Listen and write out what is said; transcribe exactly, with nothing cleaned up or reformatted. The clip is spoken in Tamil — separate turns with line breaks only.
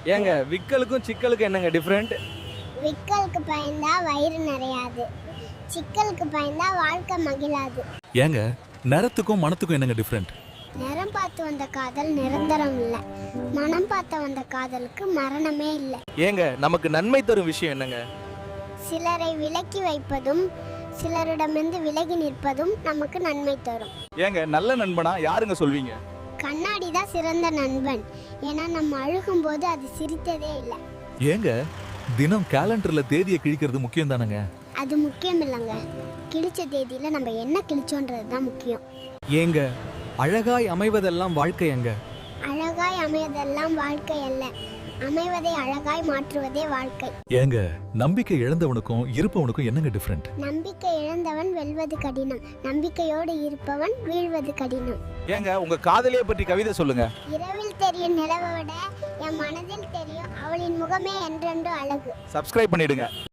ஏங்க விக்கலுக்கும் சிக்கலுக்கும் என்னங்க டிஃப்ரெண்ட்?
விக்கலுக்கு பயந்தா வயிறு நிறையாது, சிக்கலுக்கு பயந்தா வாழ்க்கை மகிழாது.
ஏங்க நிறத்துக்கும் மனத்துக்கும் என்னங்க டிஃப்ரெண்ட்?
நிறம் பார்த்து வந்த காதல் நிரந்தரம் இல்லை, மனம் பார்த்து வந்த காதலுக்கு மரணமே இல்லை.
ஏங்க நமக்கு நன்மை தரும் விஷயம் என்னங்க?
சிலரை விலக்கி வைப்பதும் சிலரிடமிருந்து விலகி நிற்பதும் நமக்கு நன்மை தரும்.
ஏங்க நல்ல நண்பனா யாருங்க சொல்வீங்க?
கண்ணாடி தான் சிறந்த நண்பன், ஏன்னா நம்ம அழுகும் போது அது சிரித்ததே இல்லை.
ஏங்க தினம் கேலண்டர்ல தேதியை கிழிக்கிறது முக்கியம் தானங்க?
அது முக்கியம் இல்லைங்க, கிழிச்ச தேதியில நம்ம என்ன கிழிச்சோன்றது தான் முக்கியம்.
ஏங்க அழகாய் அமைவதெல்லாம் வாழ்க்கை எங்க?
அழகாய் அமைவதெல்லாம் வாழ்க்கை அல்ல, அமைவதை அழகாய் மாற்றுவதே வாழ்க்கை.
ஏங்க நம்பிக்கை இழந்தவனுக்கும் இருப்பவனுக்கும் என்னங்க டிஃப்ரெண்ட்?
நம்பிக்கை இழந்தவன் வெல்வது கடினம், நம்பிக்கையோடு இருப்பவன் வீழ்வது கடினம்.
ஏங்க உங்க காதலியை பற்றி கவிதை சொல்லுங்க.
இரவில் தெரியும் நிலவை விட என் மனதில் தெரியும் அவளின் முகமே என்றென்று அழகு.
சப்ஸ்கிரைப் பண்ணிடுங்க.